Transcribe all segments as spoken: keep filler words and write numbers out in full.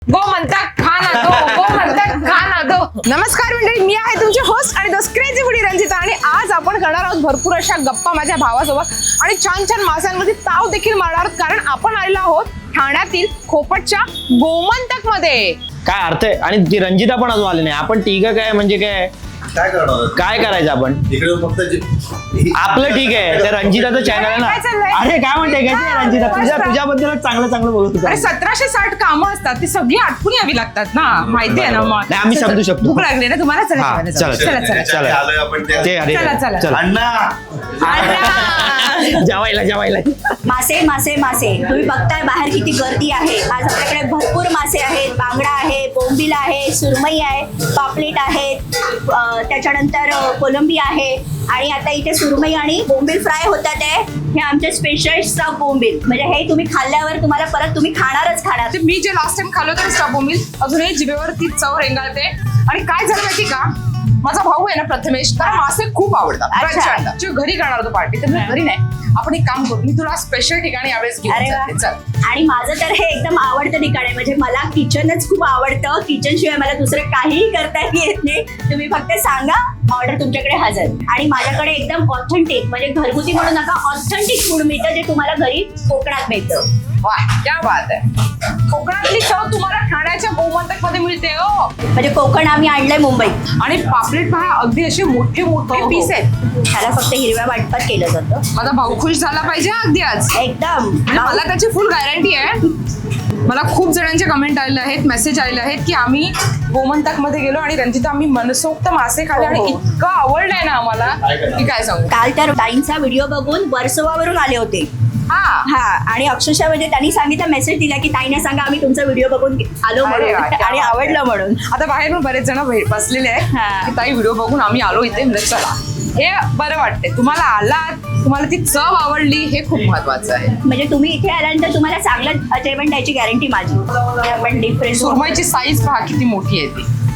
गो म्हणतात खा ना दो, गो म्हणतात खा ना दो. नमस्कार मंडळी, मी आहे तुमची होस्ट आणि द क्रेझी फूडी रंजिता आणि आज आपण करणार आहोत भरपूर अशा गप्पा माझ्या भावासोबत आणि छान छान माशांमध्ये ताव देखील मारणार आहोत, कारण आपण आलेलो आहोत ठाण्यातील खोपटच्या गोमंतक मध्ये. काय अर्थ आहे? आणि ती रंजिता पण अजून आली नाही. आपण ठीक काय म्हणजे काय काय करणार काय करायचं आपण इकडे फक्त आपलं ठीक आहे. त्या रंजिताचं चॅनल आहे काय चाललंय? ना. अरे काय म्हणते काय हा, रंजिता, तुझ्या मस्त. तुझ्याबद्दलच चांगलं चांगलं बोलत होता. अरे सतराशे साठ कामं असतात, ती सगळी आटपून यावी लागतात ना, माहिती आहे ना. मग नाही, आम्ही समजू शकतो. भूक लागली ना तुम्हाला, चला हा, जेवायला चला, जाऊ. चला चला चला. आलोय आपण त्या- ते अरे चला, चला. चला. अण्णा! जेवायला जेवायला मासे मासे मासे तुम्ही बघताय बाहेर किती गर्दी आहे. आज आपल्याकडे भरपूर मासे आहेत. बांगडा आहे, बोंबील आहे, सुरमई आहे, पापलेट आहेत, अं, त्याच्यानंतर अं, कोलंबी आहे आणि आता इथे सुरमई आणि बोंबील फ्राय होतात आहे. हे आमचे स्पेशल स्टफ बोंबील, म्हणजे हे तुम्ही खाल्ल्यावर तुम्हाला परत तुम्ही खाणारच खाणार. ते मी जे लास्ट टाइम खाल्लं होतं स्टॉप बोंबील, अजूनही जिभेवरती चव रेंगाळते. आणि काय झालं माहिती का, माझा भाऊ आहे ना प्रथमेश, त्याला मासे खूप आवडतात. अच्छा. प्रचंड. जो घरी करणार होतो पार्टी, तर मी घरी नाही, आपण एक काम करू, मी तुला स्पेशल ठिकाणी यावेळेस घेऊन अरे वा. जाते. चल. आणि माझं तर हे एकदम आवडतं ठिकाण आहे. म्हणजे मला किचनच खूप आवडतं. किचन शिवाय मला दुसरं काहीही करता येत नाही. तुम्ही फक्त सांगा, ऑर्डर तुमच्याकडे हजर. आणि माझ्याकडे एकदम ऑथेंटिक, म्हणजे घरगुती म्हणू नका, ऑथेंटिक फूड मिळतं, जे तुम्हाला घरी कोकणात मिळतं. वा, क्या बात आहे. कोकणातली चव तुम्हाला ठाण्याच्या गोमंतक मध्ये मिळते हो. म्हणजे कोकण आम्ही आणलंय मुंबईत. आणि पापलेट पहा, अगदी असे मोठे मोठे हो, हो. पीस आहेत. त्याला फक्त हिरव्या वाटपात केलं जातं. माझा भाऊ खुश झाला पाहिजे हा अगदी आज. एकदम म्हणजे मला त्याची फुल गॅरंटी आहे. मला खूप जणांचे कमेंट आलेले आहेत, मेसेज आलेले आहेत की आम्ही गोमंतक मध्ये गेलो आणि रंजिता आम्ही मनसोक्त मासे खाल्ले आणि हो. इतकं आवडलंय ना आम्हाला की काय सांगू. काल त्या ताईंचा व्हिडिओ बघून वर्सोवावरून आले होते. हा हा, आणि अक्षरशः म्हणजे त्यांनी सांगितलं, मेसेज दिला की ताईने सांगा आम्ही तुमचा व्हिडिओ बघून आलो अरे म्हणून वा, क्या आणि बात आवडलं आहे. म्हणून. आता बाहेर पण बरेच जण भे- बसलेले आहेत हा. की ताई व्हिडिओ बघून आम्ही आलो इथे, म्हणजे चला हे बरं वाटतंय. तुम्हाला आलात, तुम्हाला ती चव आवडली, हे खूप महत्वाचं आहे. म्हणजे तुम्ही इथे आल्यानंतर तुम्हाला चांगलं जेवण द्यायची गॅरंटी माझी. आपण डिफरंट सुरमईची साईज पहा किती मोठी आहे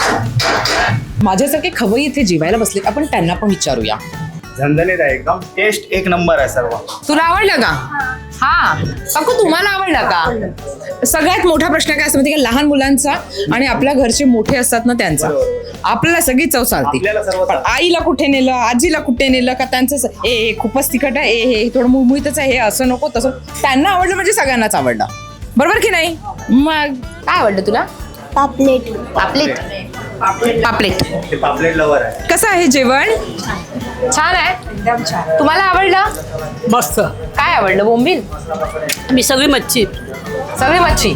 ती. माझ्यासारखे खवई इथे जेवायला बसले, आपण त्यांना पण विचारूया. झणझणीत आहे एकदम. टेस्ट एक नंबर आहे सर्व. तुला आवडलं का? हा काकू, तुम्हाला आवडलं का? सगळ्यात मोठा प्रश्न काय असतो माहिती का, लहान मुलांचा आणि आपल्या घरचे मोठे असतात ना त्यांचा. आपल्याला सगळी चव चालते, आपल्याला सर्व पण आईला कुठे नेलं, आजीला कुठे नेलं का त्यांचं स- ए हे खूपच तिखट आहे, ए हे थोडं मुळमुळीतच आहे, हे असं नको तसं. त्यांना आवडलं म्हणजे सगळ्यांनाच आवडलं, बरोबर की नाही? मग काय आवडलं तुला? पापलेट. पापलेट. पापलेट ते पापलेट लवर आहे. कसं आहे जेवण? छान आहे, एकदम छान. तुम्हाला आवडलं? मस्त. काय आवडलं? बोंबील? मी सगळी मच्छी. सगळी मच्छी.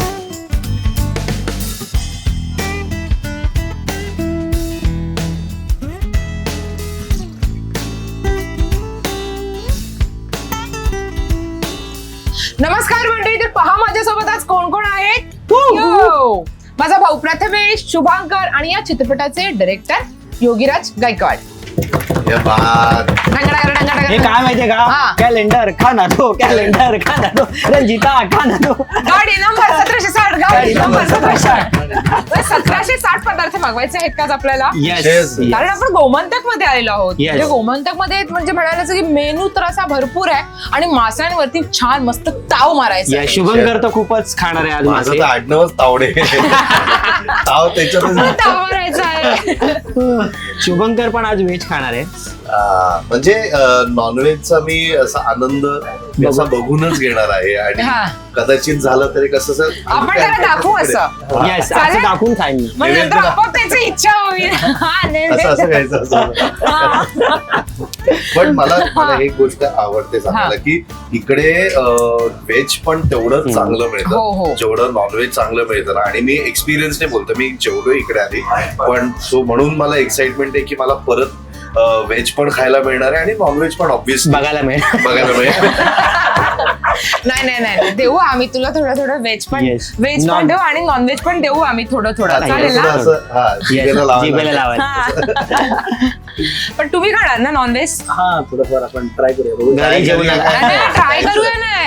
नमस्कार मंडळी, तर पहा माझ्यासोबत आज कोण कोण आहेत. यो! माझा भाऊ प्रथमेश, शुभांकर आणि या चित्रपटाचे डायरेक्टर योगीराज गायकवाड. हे बात. डंगडागर, डंगडागर. हे काय माहितीये हा. का, कॅलेंडर खाना दो, कॅलेंडर खाना दो, रंजिता खाना दो. गाडी नंबर सतराशे साठ, गाडी गाडी नंबर नंबर सतराशे साठ. सतराशे साठ पदार्थ मागवायचे आहेत का आज आपल्याला? Yes, Yes. yes. कारण आपण गोमंतक मध्ये आलेलो आहोत. Yes. म्हणजे गोमंतक मध्ये म्हणजे म्हणायला की मेनू तर असा भरपूर आहे आणि माशांवरती छान मस्त ताव मारायचा या आहे. शुभंकर तर खूपच खाणार आहे आज माझं मासे. तर आडनावच तावडे. ताव त्याच्यातच. ताव मारायचा आहे. शुभंकर पण आज व्हेज खाणार आहे. आ, म्हणजे नॉनव्हेजचा मी असा आनंद मी असा बघूनच घेणार आहे आणि हा. कदाचित झालं तरी कसं असं- आपण त्याला दाखवू असं. हा. येस, चालेल? असं दाखवून खाईन मी. मग नंतर आपोआप त्याची इच्छा होईल. हा, नाही, असं असं नाही. घ्यायचं असं. पण मला मला एक गोष्ट आवडते सांगायला की इकडे व्हेज पण तेवढंच चांगलं हो, हो. मिळतं जेवढं नॉनव्हेज चांगलं मिळतं ना. आणि मी एक्सपिरियन्स नाही बोलतो, मी जेवढो इकडे आधी पण सो म्हणून मला एक्साइटमेंट आहे की मला परत व्हेज पण खायला मिळणार आहे आणि नॉनव्हेज पण ऑब्व्हियसली बघायला मिळेल. बघायला मिळेल. नाही नाही नाही नाही. देऊ आम्ही तुला थोडं थोडं व्हेज पण Yes. व्हेज पण Non- देऊ आणि नॉनव्हेज पण देऊ आम्ही थोडं थोडं. चालेल थोडंसं ना? असं, हा, Yes, जिभेला लावायला. जिभेला लावायला. हा. पण तुम्ही खाणार ना नॉनव्हेज? हा, थोडंफार आपण ट्राय करूया. बघू. घरी जेवण ट्राय करूया नाही.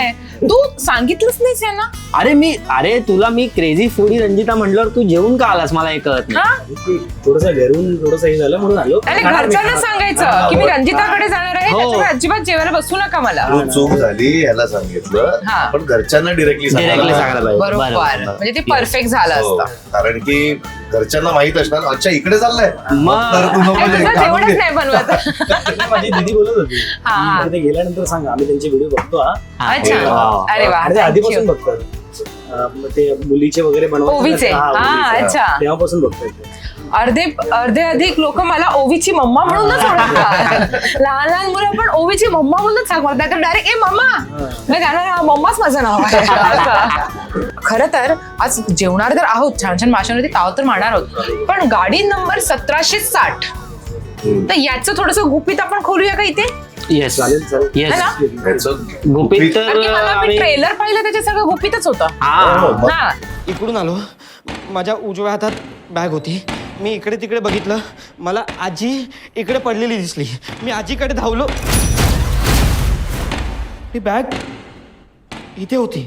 तू सांगितलंच नाहीस यांना? अरे मी अरे तुला मी क्रेझी फूडी रंजिता म्हटल्यावर तू जेवून का आलास मला हे कळत नाही. हा? थोडस घरून थोडस हे झालं म्हणून आलो. आणि घरच्यांना सांगायचं की मी रंजिताकडे जाणार आहे, हो. त्याच्यामुळे अजिबात जेवायला बसू नका मला. तू चूक झाली ह्याला सांगितलं हा. पण घरच्यांना डिरेक्टली Directly सांगायला पाहिजे. बरोबर, बरोबर. म्हणजे ते परफेक्ट झालं असतं. कारण की घरच्यांना माहित असणार अच्छा इकडे चाललंय मग. तर तू नको आणि ये, तुझं काढून जेवणच घे. नाही बनवत. माझी दीदी बोलत होती हा, हा. की ते गेल्यानंतर सांगा आम्ही त्यांचे व्हिडिओ बघतो हा. अच्छा, हा. अरे वा, आणि ते thank आधीपासून you. बघतात. अं, मग ते मुलीचे वगैरे बनवायचे ओवीचे, ना, हा, हा, ओवीचे. अच्छा. तेव्हापासून बघतात ते. अर्धे अर्धे अधिक लोक मला ओवीची मम्मा म्हणूनच ओळखतात. लहान लहान मुलं पण ओवीची मम्मा म्हणूनच सांग म्हणतात, तर डायरेक्ट ए मम्मा. मी त्यांना मम्माच माझं नाव आहे. खरं तर आज जेवणार तर आहोत, छान छान माशांवरती ताव तर मारणार आहोत, पण गाडी नंबर सतराशे साठ तर याचं थोडस गुपित आपण खोलूया का इथे? येस चालेल चालेल. येस है ना? ह्याचं गुपित कारण की तर मला आम्ही- ट्रेलर पाहिलं त्याच्यात सगळं गुपितच होतं. हा. हा. इकडून आलो, माझ्या उजव्या हातात बॅग होती. मी इकडे तिकडे बघितलं, मला आजी इकडे पडलेली दिसली. मी आजीकडे धावलो, ती बॅग इथे होती.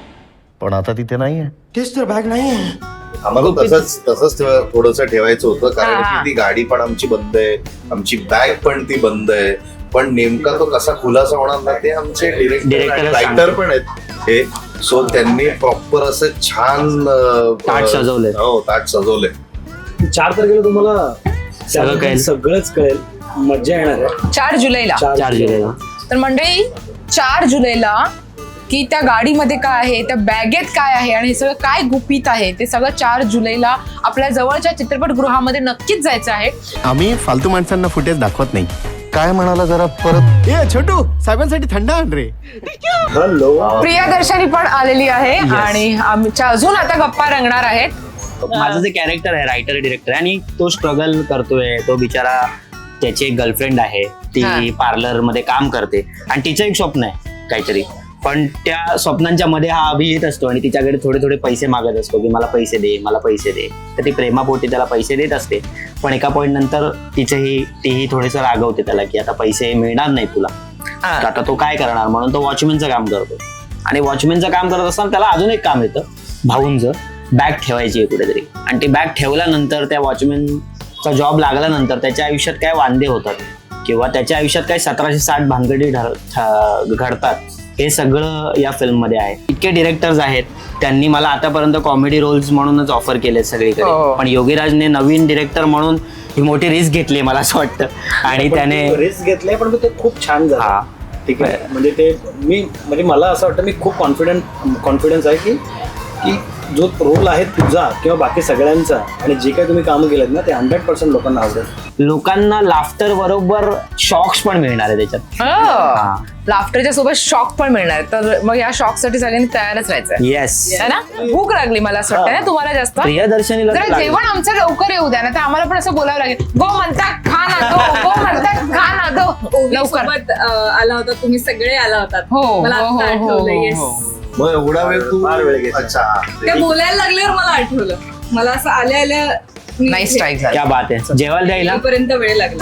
पण आता तिथे नाहीये. तेच तर, बॅग नाही आहे. आम्हाला तसंच तसंच थोडस ठेवायचं होतं कारण हा, हा. की ती गाडी पण आमची बंद आहे, आमची बॅग पण ती बंद आहे. पण नेमका तो कसा खुलासा होणार ना ते आमचे डिरेक्टर Director रायटर पण आहेत हे. सो त्यांनी प्रॉपर असं छान अं, ताट सजवलंय. हो ताट सजवलंय. चार तारखेला तुम्हाला सगळं त्याबद्दल कळेल. सगळंच कळेल. मजा येणार आहे. चार जुलैला चार जुलैला तर मंडळी चार जुलैला की त्या गाडीमध्ये काय आहे, त्या बॅगेत काय आहे आणि हे सगळं काय गुपित आहे ते सगळं चार जुलैला आपल्या जवळच्या चित्रपटगृहामध्ये नक्कीच जायचं आहे. आम्ही फालतू माणसांना फुटेज दाखवत नाही. काय म्हणाला जरा परत. ए छोटू साहेबांसाठी थंड आण रे. हॅलो. प्रियदर्शनी पण आलेली आहे आणि आमच्या अजून आता गप्पा रंगणार आहेत. माझं जे कॅरेक्टर आहे रायटर डिरेक्टर आहे आणि तो स्ट्रगल करतोय. तो बिचारा त्याची एक गर्लफ्रेंड आहे, हा. ती पार्लर मध्ये काम करते आणि तिचं एक स्वप्न आहे काहीतरी, पण त्या स्वप्नांच्या मध्ये हा अभि येत असतो आणि तिच्याकडे थोडे थोडे पैसे मागत असतो की मला पैसे दे मला पैसे दे. तर ती प्रेमापोटी त्याला पैसे देत असते, पण एका पॉईंट नंतर तिचंही तीही थोडंसं रागवते त्याला की आता पैसे मिळणार नाही तुला. हा. तर आता तो काय करणार म्हणून तो वॉचमॅनचं काम करतो आणि वॉचमॅनचं काम करत असताना त्याला अजून एक काम येतं भाऊंचं, बॅग ठेवायची आहे कुठेतरी. आणि ती बॅग ठेवल्यानंतर त्या वॉचमॅनचा जॉब लागल्यानंतर त्याच्या आयुष्यात काय वांदे होतात किंवा त्याच्या आयुष्यात काय सतराशे साठ भानगडी ठर- ठ- घडतात हे सगळं या फिल्ममध्ये आहे. इतके डिरेक्टर्स आहेत, त्यांनी मला आतापर्यंत कॉमेडी रोल्स म्हणूनच ऑफर केले सगळीकडे, हो. पण योगीराजने नवीन डिरेक्टर म्हणून ही मोठी रिस्क घेतली मला असं वाटतं आणि त्याने रिस्क घेतलंय पण ते खूप छान झालं. हा. ठीक आहे. म्हणजे ते मी म्हणजे मला असं वाटतं मी खूप कॉन्फिडंट कॉन्फिडन्स आहे की की जो रोल आहे तुझा किंवा बाकी सगळ्यांचा आणि जे काही तुम्ही कामं केलेत ना ते हंड्रेड पर्सेंट लोकांना आवडेल. लोकांना लाफ्टर बरोबर शॉक्स पण मिळणार आहे त्याच्यात. लाफ्टरच्या सोबत शॉक पण मिळणार, तर मग या शॉक साठी सगळ्यांनी तयारच राहायचं येस. है ना. भूक लागली मला असं वाटतं ना तुम्हाला जास्त. प्रियदर्शनीला तर जरा लागेल. जेवण आमचं लवकर येऊ द्या ना, तर आम्हाला पण असं बोलावं लागेल. गो म्हणतात खा ना दो, गो म्हणतात खा ना दो. लवकर सोबत आला होता, तुम्ही सगळे आला होतात. हो मला हो, आता हो, हो, आठवलं. हो, येस. हो. मग एवढा वेळ तू फार वेळ घेतला. अच्छा त्या बोलायला लागल्यावर मला आठवलं. मला असं आल्या आल्या नाही स्ट्राईक झाला. क्या बात आहे. जेवायला द्यायला पर्यंत वेळ लागला.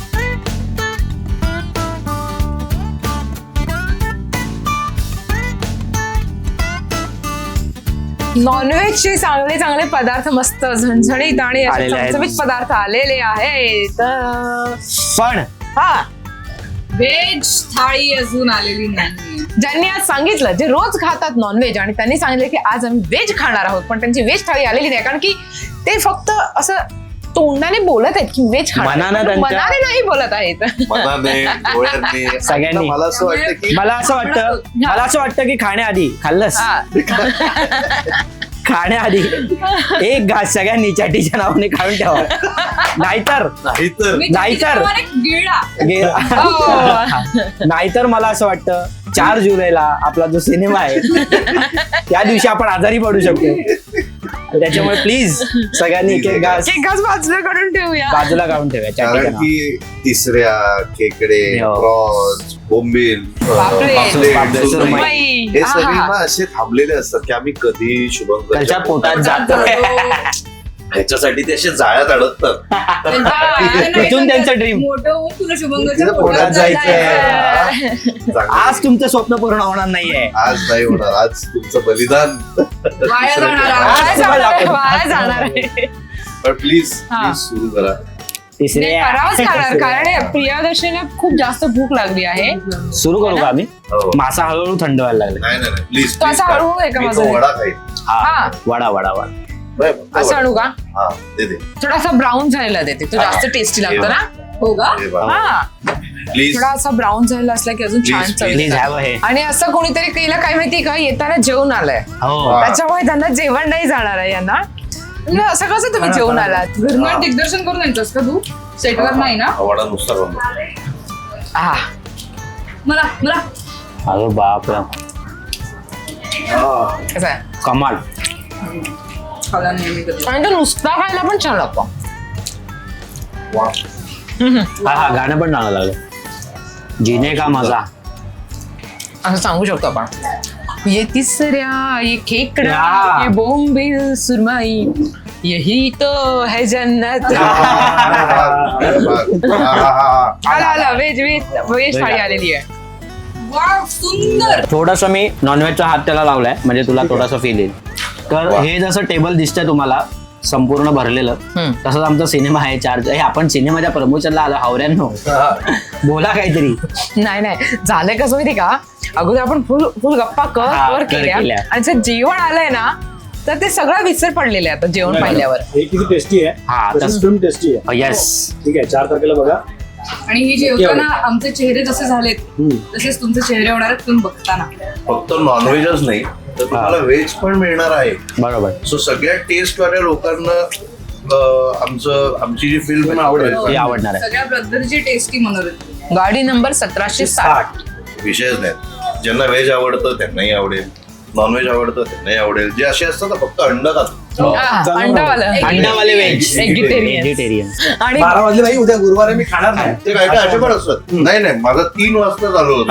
नॉनव्हेजचे चांगले चांगले पदार्थ मस्त झणझणीत आणि असे आलेले आहेत. चमचमीत पदार्थ आलेले आहेत. पण हा, व्हेज थाळी अजून आलेली नाही. ज्यांनी आज सांगितलं, जे रोज खातात नॉनव्हेज आणि त्यांनी सांगितलं की आज आम्ही व्हेज खाणार आहोत, पण त्यांची व्हेज थाळी आलेली नाही कारण की ते फक्त असं तोंडाने बोलत आहेत की व्हेज खाणार, मनानं पण त्यांच्या- मनाने नाही बोलत आहेत. मनाने डोळ्यांनी सगळ्यांनी. मला असं वाटतं की मला असं वाटतं मला असं वाटतं की खाण्याआधी खाल्लंस हा. खाण्याआधी एक घास सगळ्यांनी चॅटीच्या नावाने खाऊन ठेवा, नाहीतर नाहीतर मी नाहीतर- त्याच्याप्रमाणे गिळला. गे- हो. नाहीतर मला असं वाटतं चार जुलैला आपला जो सिनेमा आहे त्या दिवशी आपण आजारी पडू शकतो. त्याच्यामुळे प्लीज सगळ्यांनी एक एक घास एक घास बाजूला काढून ठेवूया. बाजूला काढून ठेवा कारण चॅटीच्या नावाने. की तिसऱ्या खेकडे हो. क्रॉस बोंबील पापलेट, पापलेट, पापलेट, सुरमई, सुरमई. हे हा, सगळे हा. ना असे थांबलेले असतात की आम्ही कधी शुभंकरच्या त्याच्या पोटात जातो. ह्याच्यासाठी ते असे जाळ्यात अडकतात. इथून त्यांचं ड्रीम. मोठं होऊन तुला शुभंगाच्या तिथं पोटात पोटात जायचंय. चांगलं. आज तुमचं स्वप्न पूर्ण होणार नाहीये. आज नाही होणार. आज तुमचं बलिदान. वाया जाणार आहे. वाया जाणार आहे, वाया जाणार आहे. पण प्लीज हा. प्लीज सुरू करा. तिसरे नाही, करावंच लागणार कारण हे प्रियदर्शनीला खूप जास्त भूक लागली आहे. सुरू करू का आम्ही? हो. मासा हळूहळू थंड व्हायला लागले. नाही नाही प्लीज. तो असा हळूहळू आहे का माझा? वडा खाईल. हा हा. वडा वडा वडा. बरं, फक्त असं वडा. आणू का? हा दे दे. थोडासा ब्राऊन झालेला देते तो जास्त टेस्टी लागतो ना. हो का? दे बाबा. हा प्लीज थोडा असा ब्राऊन झालेला असला की अजून छान Please, चव प्लीज येते. हॅव हे. आणि असं कोणीतरी केलं काय माहिती का येताना जेवण आलंय हो त्याच्यामुळे त्यांना जेवण नाही जाणार आहे यांना. म्हणजे असं कसं तुम्ही जेवण आलात? घरनं दिग्दर्शन करून यायचंस का तू सेटवर नाही ना? हा वडा नुसता बनव. हा मला मला अरे बाप रे. कसं आहे कमाल. खाला नेहमी कधी. आणि तो नुसता खायला पण छान लागतो. वा. हा हा गाणं पण चांगलं लागलं. जिने का मजा. असं सांगू शकतो आपण. ये तिसऱ्या ये खेकडा हा. ये बोंबील सुरमई यही तो है जन्नत. आला आला व्हेज व्हेज व्हेज थाळी आलेली आहे. वा सुंदर. थोडस मी नॉनव्हेजचा हात त्याला लावलाय म्हणजे तुला थोडासा फील येईल. तर हे जसं टेबल दिसतंय तुम्हाला संपूर्ण भरलेलं हम्म. तसंच आमचा सिनेमा आहे चार. हे आपण सिनेमाच्या प्रमोशनला आलो हावऱ्यांनो. बोला काहीतरी. नाही नाही झालंय कसं माहिती का अगोदर आपण फुल फुल गप्पा कर हा, कर कर केल्या केल्या. आणि जर जेवण आलंय ना तर ते सगळं विसर पडलेले आहे आता जेवण पाहिल्यावर. हे किती टेस्टी आहे. हा, तशीच तस- film टेस्टी आहे. येस. ठीक आहे चार तारखेला बघा. आणि ही जेवताना आमचे चेहरे जसे झालेत हम्म. तसेच तुमचे चेहरे होणार आहेत तुम्ही बघताना. फक्त नॉनव्हेजच नाही तर तुम्हाला व्हेज पण मिळणार आहे. बरोबर. सो सगळ्या टेस्ट वाल्या लोकांना अं, आमचं आमची जी फिल्म आवडेल. हे आवडणार आहे. सगळ्या पद्धतीची टेस्टी मनोरंजन. गाडी नंबर सतराशे साठ. विषयच नाही. ज्यांना व्हेज आवडतं त्यांनाही आवडेल. नॉनव्हेज आवडतं त्यांनाही आवडेल. जे असे असतात ना फक्त अंड खातात हा, अंडावालं अंडावाले व्हेज. Vegetarian. व्हेजिटेरियन. आणि बारा वाजले नाही उद्या गुरुवार आहे मी खाणार नाही. ते काय काय असे पण असतात. नाही नाही माझं तीन वाजता चालू होतं.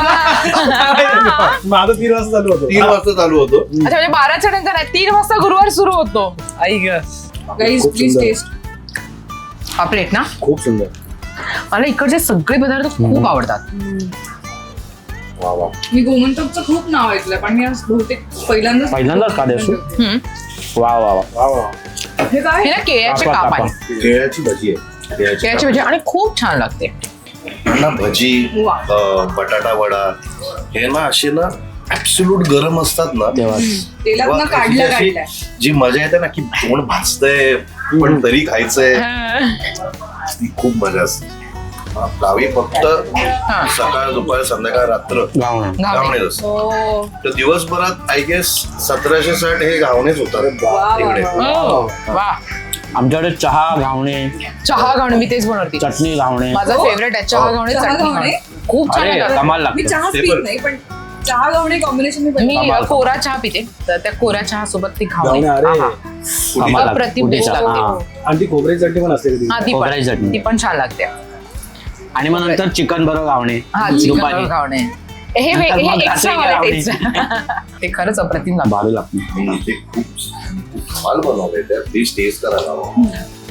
माझं तीन वाजता चालू होतं. तीन वाजता चालू होतो. अच्छा म्हणजे बाराच्या नंतर नाही तीन वाजता गुरुवार सुरू होतो. आई ग गाईज खूप प्लीज सुंदर. टेस्ट. हा प्लेट ना खूप सुंदर. मला इकडचे सगळे पदार्थ खूप आवडतात. वा वा. मी गोमंतकचं खूप नाव ऐकलंय पण मी आज बहुतेक पहिल्यांदाच पहिल्यांदाच का देसू? हम्म. वा वा वा. वा वा. हे काय हे ना केळ्याचे कापा, काप कापा. आहे. केळ्याची भजी आहे. केळ्याची भजी आणि खूप छान लागते. ना भजी वा. अं, बटाटा वडा हे ना असे ना ऍब्सोल्यूट गरम असतात ना तेव्हा तेलात तेव्हा ना त्याची काढलं अशी काढलंय. जी मजा येते ना की तोंड भाजतंय पण तरी खायचंय ती खूप मजा असते. गावी फक्त सकाळ दुपार संध्याकाळ रात्र गावणं. घावणेच असतं. हो. तर दिवसभरात आय गेस सतराशे साठ हे घावणेच होतात इकडे. हो. वा आमच्याकडे चहा घावणे चहा घावणे मी तेच बनवते. चटणी घावणे. माझा हो. फेवरेट आहे चहा घावणे चहा चटणी घावणे? घावणे. खूप छान अरे लागतात. कमाल मी लागते. चहा ते पीत पण. नाही पण चहा घावणे कॉम्बिनेशन मी मी बनवते. कमाल. कोरा चहा पिते तर त्या कोऱ्या चहा सोबत ती जाऊन घावणे अरे आहा. कमाल लागते. अप्रतिम कुठे टेस्ट चहा. लागते. हा. आणि ती खोबऱ्याची चटणी पण असते कधी. हा ती खोबऱ्याची पण चटणी. ती पण छान लागते. आणि मग नंतर चिकन बरोबर घावणे हा दुपारी. चिकन घावणे हे वे- नंतर हे मग एक्स्ट्रा घाटे मला घावणे. टेस्ट. ते खरंच अप्रतिम लागतं. भारी लागते. हम्म, ते खूप खूप कमाल बनवलंय त्या. प्लीज टेस्ट करायला हवं.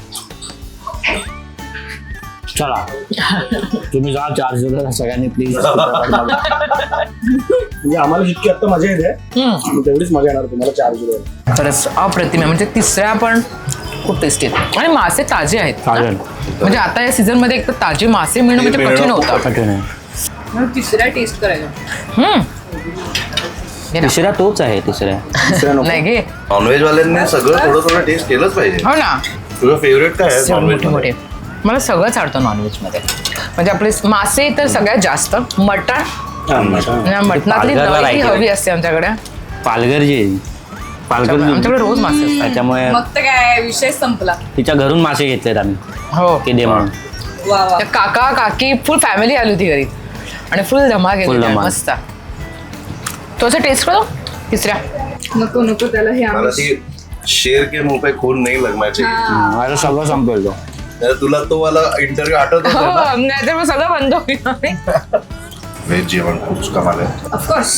चला तुम्ही जा चार्जर सगळ्यांनी प्लीज. म्हणजे आम्हाला जितकी आता मजा येते हम्म. तेवढीच मजा येणार तुम्हाला चार जुलै. खरंच अप्रतिम आहे म्हणजे तिसऱ्या पण खूप टेस्टी आहेत आणि मासे ताजे आहेत ना? चालेल. म्हणजे आता या सीझन मध्ये एक तर ताजे मासे मिळणं म्हणजे मिळणं कठीण खूप होतं. कठीण आहे. मग तिसऱ्या टेस्ट करायला. हम्म. घे ना. तिसऱ्या तोच आहे तिसऱ्या. दुसऱ्या नको. नाही घे नॉनव्हेज वाल्यांनी सगळं थोडं थोडं टेस्ट केलंच पाहिजे. हो ना तुझं फेवरेट काय आहे मोठे नॉनव्हेज मोठे मला सगळंच आवडतं नॉनव्हेज मध्ये म्हणजे आपले मासे तर सगळ्यात जास्त मटण हा, मटण. आणि मटणातली पालघरला नळी राहायची. हवी असते आमच्याकडे पालघर जी आहे. पालघर आमच्याकडे रोज मासे असतात. त्याच्यामुळे मग तर काय विषय संपला. तिच्या घरून मासे घेतलेत आम्ही हो की दे म्हणून. वा वा. त्या काका काकी फुल फॅमिली आली होती घरी आणि फुल धमाल Full गेली धमाल. मस्त. तो असं टेस्ट करो तिसऱ्या. नको नको त्याला हे मला आम्ही ती शेर के मुंह पे खून नाही लगण्याची. माझं सगळं संपवेल तो. तर तुला तो वाला इंटरव्ह्यू आठवत हो होता ना? नाहीतर मग सगळं बंद होईल. व्हेज जेवण खूप कमाल आहे. ऑफकोर्स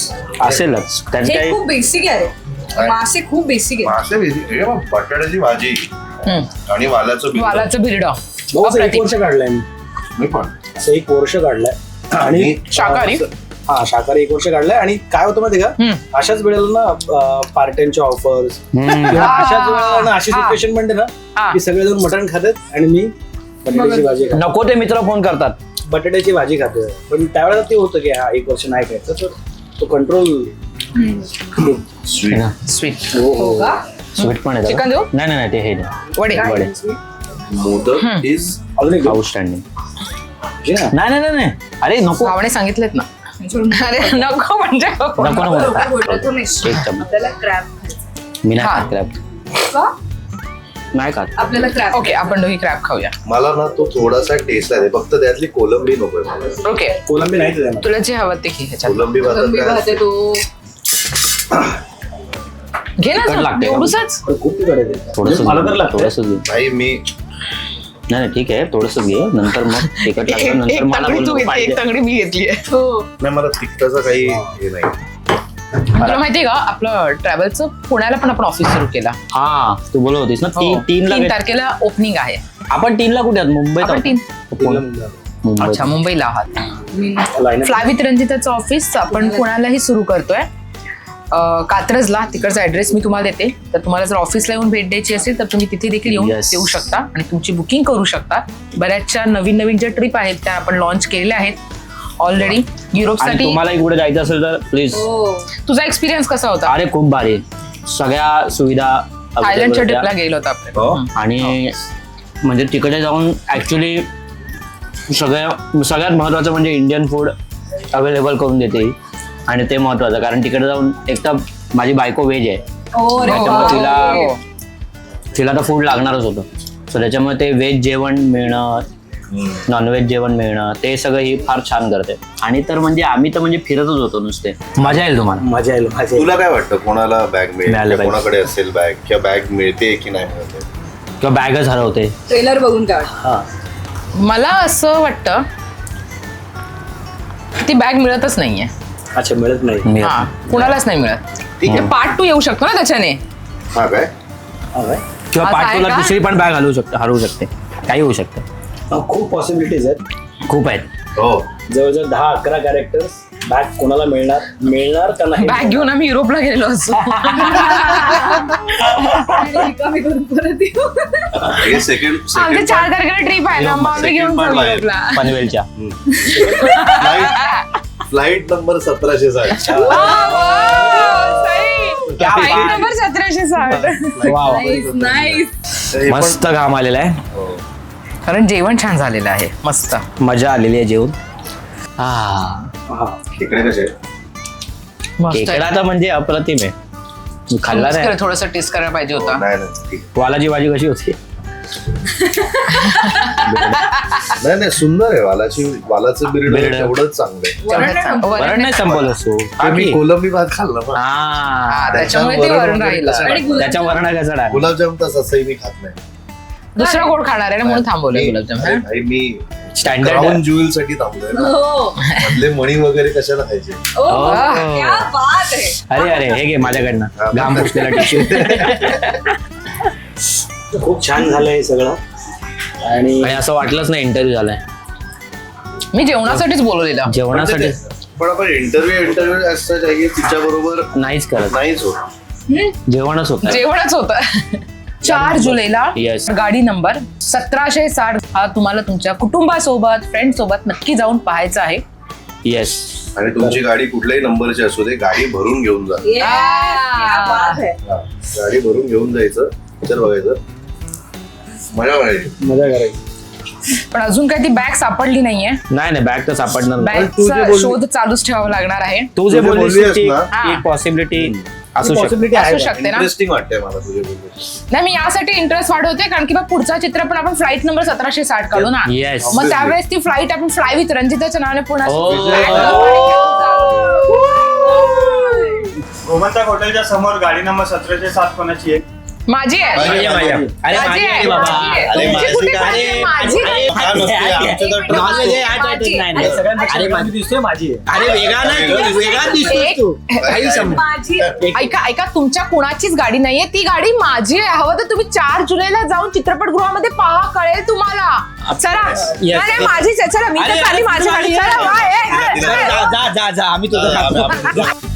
असेलच त्याचं हे काही खूप बेसिक आहे रे. मासे खूप बेसिक आहे. मासे basic- हे बघ, बटाट्याची भाजी आणि वालाचं बिल वालाचं बिरड भाऊ असं एक वर्ष काढलंय मी मी पण असं एक वर्ष काढलंय आणि शाकाहारी? हा शाकाहारी एक वर्ष काढलंय. आणि काय होतं माहिती का, अशाच वेळेला ना पार्ट टाइमच्या ऑफर्स किंवा अशाच वेळेला ना अशी सिच्युएशन म्हणते ना की सगळेजण मटण खातात आणि मी बटाट्याची भाजी खातो. नको ते मित्र फोन करतात. बटाट्याची भाजी खातोय. पण त्यावेळेला ते होतं की हा एक वर्ष नाही खायचं, तर तो कंट्रोल. स्वीट स्वीट पण आहे चिकन त्याला. देऊ? नाही नाही नाही, ते हे नाही. वडे वडे मोदक इज अजून एक आउटस्टँडिंग. जे ना, नाही नाही नाही नाही, अरे नको भावने सांगितलेत ना. अरे नको म्हणजे नको. नको नको बोलतो नाही. एक चमच. आपल्याला क्रॅब मी नाही हा. खात क्रॅब. का नाही खात. आपल्याला क्रॅब ओके आपण दोघी क्रॅब खाऊया. मला ना तो थोडासा टेस्ट आहे फक्त त्यातली कोलंबी नकोय मला. ओके कोलंबी नाहीच आहे ना. तुला जे हवं ते घे ह्याच्यात. कोलंबी भातात कोलंबी काय भात आहे असतं? तो घे तिखट ना लागते का? एवढूसच. पण खूप तिखट आहे ते. थोडस मला तर लागतं. थोडस घे. नाही मी नाही नाही ठीक आहे, थोडस घे, नंतर मग तिखट एक लागतं, नंतर एक मला तंगडी तू बोलू घेतली, पाहिजे. एक तंगडी मी घेतली आहे. हो नाही मला तिखटाचं काही हे नाही. तुला माहितीये का आपलं ट्रॅव्हलचं पुण्याला पण आपण ऑफिस सुरू केला. हा तू बोलत होतीस ना तीन तीन ला तीन भेट- तारखेला ओपनिंग आहे. आपण तीन ला कुठे आहात? मुंबईत आपण आहोत. तीन कोलंबी. मुंबईत. अच्छा मुंबईला आहात. Line up. फ्लाय विथ रंजिताचं ऑफिस आपण पुण्यालाही सुरू करतोय. अं, कात्रजला तिकडचा ऍड्रेस मी तुम्हाला देते. तर तुम्हाला जर ऑफिसला येऊन भेट द्यायची असेल तर तुम्ही तिथे देखील येऊन Yes. येऊ शकता आणि तुमची बुकिंग करू शकता. बऱ्याचशा नवीन नवीन ज्या ट्रिप आहेत त्या आपण लॉन्च केलेल्या आहेत ऑलरेडी आणि युरोपसाठी. तुम्हालाही कुठे जायचं असेल तर प्लीज. हो तुझा एक्सपिरियन्स कसा होता? अरे खूप भारी, सगळ्या सुविधा थायलंडच्या available ट्रिपला होत्या. गेलो होतो आपण. हो? हम्म. आणि म्हणजे तिकडे जाऊन ऍक्च्युली सगळ्या सगळ्यात महत्वाचं म्हणजे इंडियन फूड अवेलेबल करून देते. आणि ते महत्वाचं, कारण तिकडे जाऊन एक तर माझी बायको व्हेज आहे, हो रे त्याच्यामुळे वा. तिला तिला तर फूड लागणारच होतं. सो त्याच्यामुळे ते व्हेज जेवण मिळणं, नॉनव्हेज जेवण मिळणं, ते सगळं ही फार छान करते. आणि तर म्हणजे आम्ही तर म्हणजे फिरतच होतो नुसते. मजा येईल तुम्हाला. मजा येईल मजा येईल. तुला काय वाटतं कोणाला बॅग मिळेल मिळालं किंवा पाहिजे. कोणाकडे असेल बॅग किंवा बॅग मिळते की नाही मिळते? किंवा बॅगच हरवते. ट्रेलर बघून काढ. हा मला असं वाटतं ती बॅग मिळतच नाहीये. अच्छा मिळत नाही. मिळत हा नाही. कुणालाच नाही मिळत. ठीक आहे. पार्ट टू येऊ शकतो ना त्याच्याने. हा काय हा काय? किंवा असं आहे पाठवला का? दुसरी पण बॅग हलवू शकते, हरवू शकते, काही होऊ शकतं. हा, खूप पॉसिबिलिटीज आहेत. खूप आहेत. हो जवळजवळ दहा अकरा कॅरेक्टर्स. बॅग कोणाला मिळणार मिळणार का नाही? बॅग घेऊन आम्ही युरोपला गेलेलो असतो. आणि रिकामी करून परत येऊ. हे सेकंड आमची सेकंड चार तारखेला ट्रिप आहे ना, मग आम्ही घेऊन second part जाऊ आहे. युरोपला. पनवेलच्या. फ्लाईट फ्लाईट नंबर सतराशे साठ. फ्लाईट नंबर सतराशे साठ. वाव. Nice, nice. हे पण- मस्त घाम आलेला आहे. हो. कारण जेवण छान झालेलं आहे मस्त. मजा आलेली आहे जेवण. हा हा. खेकडे कसे मस्त खेकडा तर म्हणजे अप्रतिम आहे. मी खाल्ला नाही. थोडस टेस्ट करायला पाहिजे होता. नाही नाही ठीक. वालाची भाजी कशी होती? नाही नाही सुंदर आहे वालाची वालाचं बिर्ड बिर्ड. एवढंच चांगलं आहे. वरण नाही संपलं. वरण नाही संपवलं असतो. आम्ही कोलंबी भात खाल्ला ना. हा त्याच्यामुळे ते वरण राहिलं. आणि गुलाबजाम. त्याच्या वरणा कसा डाळ. गुलाबजाम तर असंही मी खात नाही. दुसरा गोड खाणार आहे ना म्हणून थांबवलं मी- गुलाबजाम. अरे हा? भाई मी स्टँडर्ड. क्राऊन ज्युएल साठी थांबलोय ना. हो मधले मणी वगैरे कशाला खायचे? ओ, हो. क्या बात आहे. अरे अरे हे घे माझ्याकडनं घाम पुसलेला टिश्यू. खूप छान झालंय हे सगळं. आणि आणि असं वाटलंच नाही इंटरव्ह्यू झालाय. मी जेवणासाठीच बोलवलेलं. जेवणासाठी पण आपण इंटरव्ह्यू इंटरव्ह्यू असं आहे तिच्या बरोबर नाहीच करत, नाहीच होत. जेवणच होत. जेवणच होतं. चार जुलैला Yes. गाडी नंबर सतराशे साठ हा तुम्हाला तुमच्या कुटुंबासोबत फ्रेंड सोबत नक्की जाऊन पाहायचा आहे. येस. आणि तुमची गाडी कुठल्याही नंबरची असू दे गाडी भरून घेऊन जा. Yes, क्या बात है. हा. गाडी भरून घेऊन जायचं पिक्चर बघायचं मजा वाटायची. मजा करायची. पण अजून काही ती बॅग सापडली नाहीये. नाही नाही बॅग तर सापडणार नाही. तू जे बॅगचा बोलली- शोध चालूच ठेवावा लागणार आहे. तू जे तू जे बोललीस बोललीस ती ना, हा. एक पॉसिबिलिटी असू शकते. पॉसिबिलिटी असू आहे. शकते ना. इंटरेस्टिंग वाटतंय मला तुझे बोलले. नाही मी यासाठी इंटरेस्ट वाढवते कारण की बा पुढचा चित्र पण आपण फ्लाईट नंबर सतराशे साठ काढू ना. Yes. मग त्यावेळेस ती फ्लाईट आपण फ्लाय विथ रंजिताच्या नावाने पुन्हा Oh. flag वर घेऊन जाऊ. गोमंतक हॉटेलच्या समोर गाडी नंबर सतराशे सात कोणाची आहे? माझी आहे माझी आहे, माझी आहे. अरे माझी माझी आहे, आहे बाबा. माझी आहे. अरे तुमची माझी कुठे काय? माझी? माझी अरे, आहे. काय नसते, आमचं तर एक नॉनव्हेज आहे, माझी. आठ आठ नाही, नाही. सगळ्यांपेक्षा अरे कमी दिसतोय माझी आहे. अरे वेगळा नाही तू, वेगळा दिसतोस एक- तू काही संबंध माझी ऐका ऐका तुमच्या कुणाचीच गाडी नाहीये ती गाडी माझी आहे हवं तर तुम्ही चार जुलैला जाऊन चित्रपटगृहामध्ये पहा कळेल तुम्हाला चला नाही नाही, माझीच आहे चला मी तर अरे, चालली अरे, माझी गाडी चला वा, ए, ए, जा ए. जा जा जा आम्ही तुझं खातो. जा.